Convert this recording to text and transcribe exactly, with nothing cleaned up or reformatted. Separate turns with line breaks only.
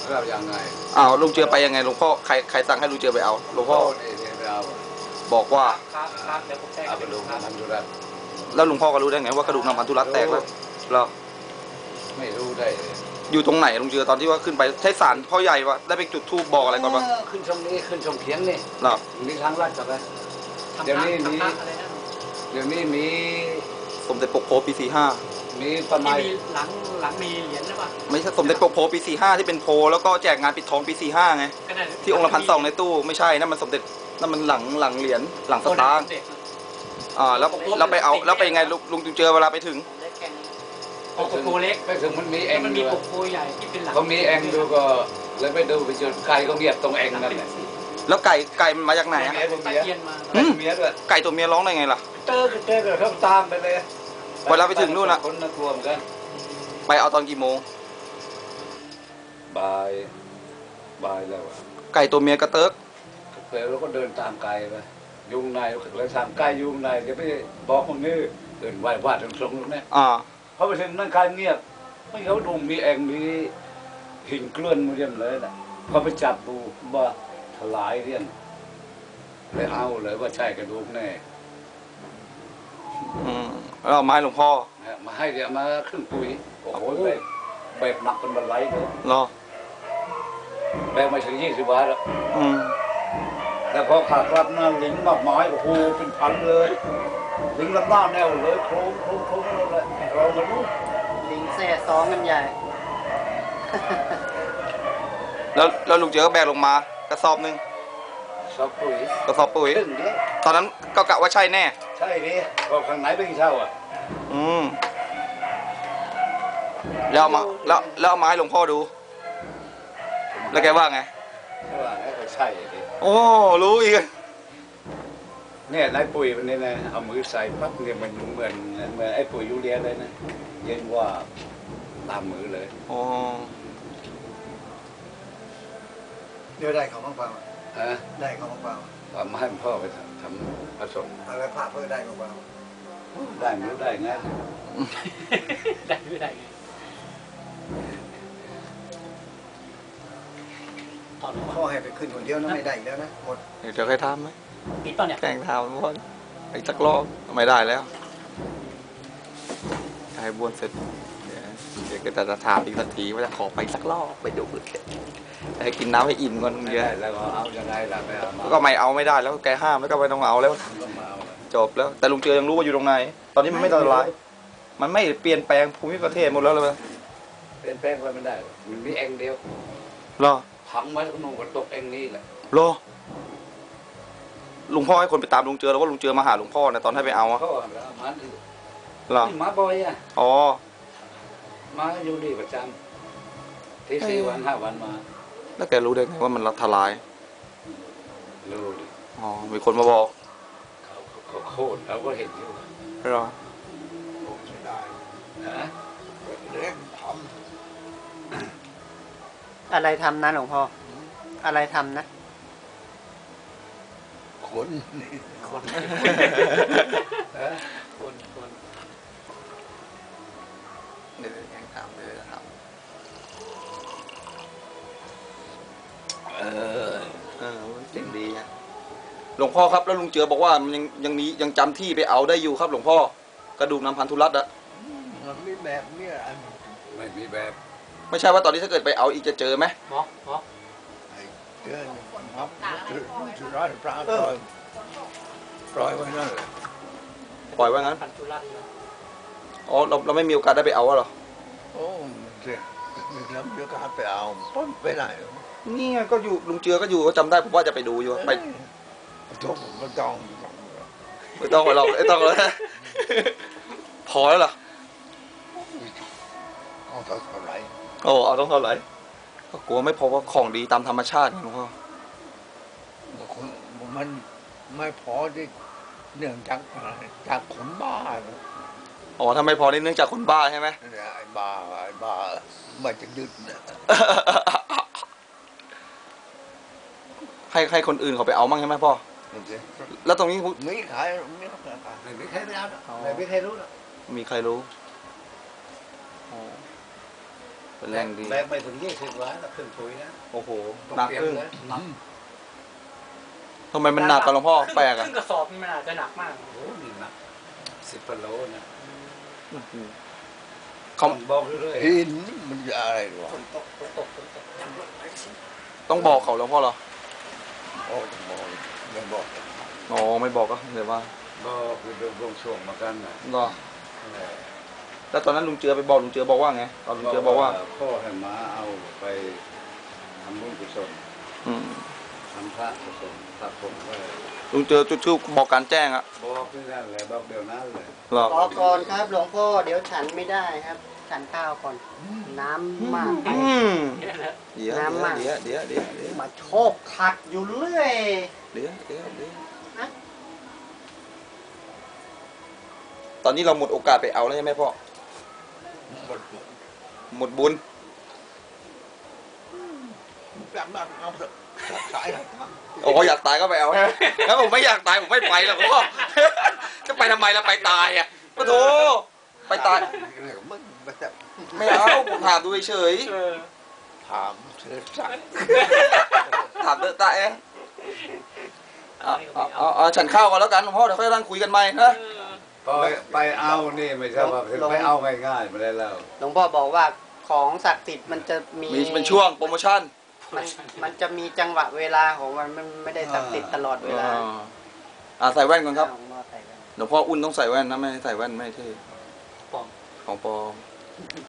เราอย่างไง
อ้าวลุงเจือไปยังไงหลวงพ่อใครใครสั่งให้ลุงเจือไปเอาหลวงพ่อบอกว่า
ครับครับเดี๋ยวผมแจ้งไปดูครับ
แล้วหลวงพ่อก็รู้ได้ไงว่ากระดูกนำพันธุรัตแตกแล้วเรา
ไม่รู้ได้
อยู่ตรงไหนลุงเจือตอนที่ว่าขึ้นไปใช้สารพ่อใหญ่วะได้ไปจุดธูปบอกอะไรก่อนปะ
ขึ้นช่องนี้ขึ้นช่องเทียนนี่
หรอ
มีทางลัดกับไปเดี๋ยวนี้มีเดี๋ยวนี้มี
สมเด็จปกโพปีสี่ห้า
มีประมาณ
หลังหลังมีเหรียญหรือเปล่า
ไม่ใช่สมเด็จปกโพปีสี่ห้าที่เป็นโพแล้วก็แจกงานปิดทองปีสี่ห้าไงที่องค์ละพันสองในตู้ไม่ใช่นั่นมันสมเด็จนั่นมันหลังหลังเหรียญหลังสตางค์อ่าแล้วเราไปเอาแล้วไปยังไงลุงจุงเจอเวลาไปถึง
ปกโพเล็ก
ไปถึงมันมีแอง
มันมีปกโพใหญ่ที่เป็นหลัง
เขามีแองดูก็เลยไปดูไปเจอไก่ก็เงียบตรงแองนั่นแหละ
แล้วไก่ไก่มันมาจากไหนอะ
เมียด้วย
ไก่ตัวเมียร้องได้ไงล่ะ
เจอเจอเขาตามไปเลย
เวลาไปถึงนู่นอะ
คนน่ากลัวเหมือนกัน
ไปเอาตอนกี่โมง
บ่ายบ่ายแล้ว
ไก่ตัวเมียกระเติก
เสร็จแล้วก็เดินตามไก่ไปยุงในแล้วตามไก่ยุงในจะไปบอกคนนี้เดินไหว้วาดตรงตรงนู้นเนี่ยเขาไปถึงนั่งไก่เงียบไม่เขาดูมีแองมีหินกล้วนมาเรียมเลยนะเขาไปจับดูว่าถลายเรียนเลยเอาเลยว่าใช่กระดูกแน่
อืมแล้วเอาไม้หลวงพ่อ
มาให้เดี๋ยวมาขึ้นปุ๋ยโอ้โหแบบแบบหนักเป็นบันไลเลย
รอ
แบกมาถึงยี่สิบบาทแล้ว
อืม
แล้วพอขากลับนั่งลิงมากไม้โอ้โหเป็นพันเลยลิงลำหน้าแนวเลยโครงโครงโครงเลยเราไม่รู้
ลิงแซ่ซ้องกันใหญ่
แล้วแล้วลุงเจอก็แบกลงมากระสอบนึง
กระสอบปุ๋ย
กระสอบปุ๋ยตอนนั้นก็กะว่าใช่แน่
ใช่ดิก็ข้างไหนเป็นเช่าอ่ะ
อืมแล้วมาแล้วแล้วเอามาให้หลวงพ่อดูแล้วแกว่าไง
ว่าไงก็ใช่ดิ
โอ้รู้อีก
เนี่ยไอ้ปุ๋ยมันนี่นะเอามือใส่ปั๊บเนี่ยมันเหมือนเหมือนไอ้ปุ๋ยยูเรียเลยนะเย็นว่าตามมือเลย
อ๋อ
เดี๋ยวได้ของบ้างเปล่า
ฮะ
ได้ของบ้างเปล่า
เอามาให้พ่อไปทำทำผสม
อะไรพระเพื่อได้ของเปล่า
ได้ไม่รู้ได้ไง
ได้ไม่ได้ไง
พ่อให้ไปขึ้นคนเดียวนะไม่ได้อีกแล้วนะหมด
เดี๋ยวใครทำไหม
ปิดป่ะเนี่ย
แกงทำพ่อไอ้สักรอบไม่ได้แล้วใครบ้วนเสร็จเดี๋ยวก็จะถามอีกสักทีว่าจะขอไปสักรอบไปดูให้กินน้ำให้อิ่มก่อนเยอะ
แล้วเอายังไงล่ะไม่เอา
ก็ไม่เอาไม่ได้แล้วแกห้ามแล้วก็ไม่ต้องเอาแล้วจบแล้วแต่ลุงเจือยังรู้ว่าอยู่ตรงไหนตอนนี้มันไม่อันตรายมันไม่เปลี่ยนแปลงภูมิประเทศหมดแล้วเลย
เปลี่ยนแปลงไปไม่ได้มันมีเองเดียว
รอ
ถังไว้ก็นุ่งก็ตกเองนี่แหละ
รอลุงพ่อให้คนไปตามลุงเจือแล้วว่าลุงเจือมาหาลุงพ่อนะตอนให้ไปเอาอะ
พ่อมาดิ
หรอ
มาบ่อยอ่ะ
อ๋อ
มาอยู่ดีประจำที่สี่วันห้าวันมา
แล้วแกรู้ได้ไงว่ามันทลาย
รู้ดิ
อ๋อมีคนมาบอก
เขาโคตรเราก็เห็นอยู่
หรอ
ไม่ได้
ฮะ
เล็กท
ำอะไรทำนะหลวงพ่ออะไรทำนะ
คน
คนคนคน
เดี๋ยวยังทำเดี๋ยวทำ
เออเออจริงดีนะหลวงพ่อครับแล้วลุงเจือบอกว่ามันยังยังมียังจำที่ไปเอาได้อยู่ครับหลวงพ่อกระดูกนำพันธุรัตน์อะ
มันมีแบบนี้
ไม่มีแบบ
ไม่ใช่ว่าตอนนี้ถ้าเกิดไปเอาอีกจะเจอไหม
หมอหมอ
เจอครับจุดร้อยปลาปล่อยปล่อยไว้นั่น
ปล่อยไว้งั้นอ๋อเราเราไม่มีโอกาสได้ไปเอาหรอ
โอ้เจ๊มีแล้วมีโอกาสไปเอาต้นไปไหน
นี่ไงก็อยู่ลุงเจือก็อยู่ก็จำได้ผมว่าจะไปดูอยู่ไป
ต้องไม่ต้อง
ไม่ต้องหรอกไม่ต้องเลยพอแล้วเหรอ
เอาเท่าไหร่
โอ้เอาต้องเท่าไหร่ก็กลัวไม่พอว่าของดีตามธรรมชาติไงหลวงพ่อ
มันไม่พอที่เนื่องจากจากคนบ้า
อ๋อถ้าไม่พอนี่เนื่องจากคนบ้าใช่ไหม
ไอ้บ้าไอ้บ้าไม่จะยึด
ให้ให้คนอื่นเขาไปเอามั่งใช่ไหมพ่อแล้วตรงนี้
ไม่ขายไม่ขายไม่ใครไม่เอาไม่ใครรู้หรอก
มีใครรู้เป็นแรงดี
แบกไปถึงยี่สิบวันแล้วขึ้นปุ๋ยนะ
โอ้โห
ต้อง
หนัก
เตรียม
ขึ้น
เลยหนัก
ทำไมมันหนักกันหลวงพ่อแปลก
ค
อ่ะ
รึ่งกระสอบนี่มันอาจจะหนักมาก
โอ้โหนี่หนักสิบกิโลนะ
เขา
ต้องบอกเรื่อย
หินมันจะอะไรวะ
ฝนตกฝนตกฝนตก
ต้องบอกเขาหลวงพ่อเหรอ
โอ้ต้องบอกไม่บอก
อ๋อไม่บอกก็เดี๋ยวว่า
ๆบอกคือดวงช่วงมากันนะ
ก็ แล้วตอนนั้นลุงเจือไปบอกลุงเจือบอกว่าไงตอนลุงเจือบอกว่า
พ่อให้มาเอาไปทำบุญกุศล
อืม
ทำพระกุศลพระผมก็
ลุงเจือจุดชื่อบอกการแจ้งอะ
บอกที่นั่นเลยบอกเดี๋ยวนั้นเลย
เหรอ
รอก่อนครับหลวงพ่อเดี๋ยวฉันไม่ได้ครับ ฉันข้าวก่อน น้ำมากไป
อืม
เนี่ยนะ
เดี๋ยว
น้ำมาก
เดี๋ยวเดี๋ยวเดี๋ยวเดี๋ยว
มาโชกขัดอยู่เรื่อย
เดี๋ยวเดี๋ยวเดี๋ยว
นะ
ตอนนี้เราหมดโอกาสไปเอาแล้วใช่ไหมพ่อ
หมด
หมดบุญ
แบบนั้นเอาเถอะสาย
โอ้อยากตายก็ไปเอางั้นผมไม่อยากตายผมไม่ไปหรอกพ่อ จะไปทำไมล่ะไปตายอ่ะปะโถไปตาย
มันแบบ
ไม่เอาผมถามดูเฉย
เออ
ถามเธอสัก
ๆถามเดอะตายเองเอาเอาเอาเอาฉันเข้าวก่อนแล้วกันหลวงพ่อเดี๋ยวค่อยนั่งคุยกันใหม่นะ
ไปไปเอานี่ไม่ใช่ว่าไปเอาง่ายๆไม่ได้แล้ว
หลวงพ่อบอกว่าของศักดิ์สิทธิ์มันจะมี
มีเป็นช่วงโปรโมชั่น
มันมันจะมีจังหวะเวลาของมันมันไม่ได้ศักดิ์สิทธิ์ตลอดเวลา
อ่าอ่าใส่แว่นก่อนครับ
หลวงพ่อใส่กัน
หลวงพ่ออุ่นต้องใส่แว่นนะไม่ให้ใส่แว่นไม่เท่
ปลอม
ของปลอม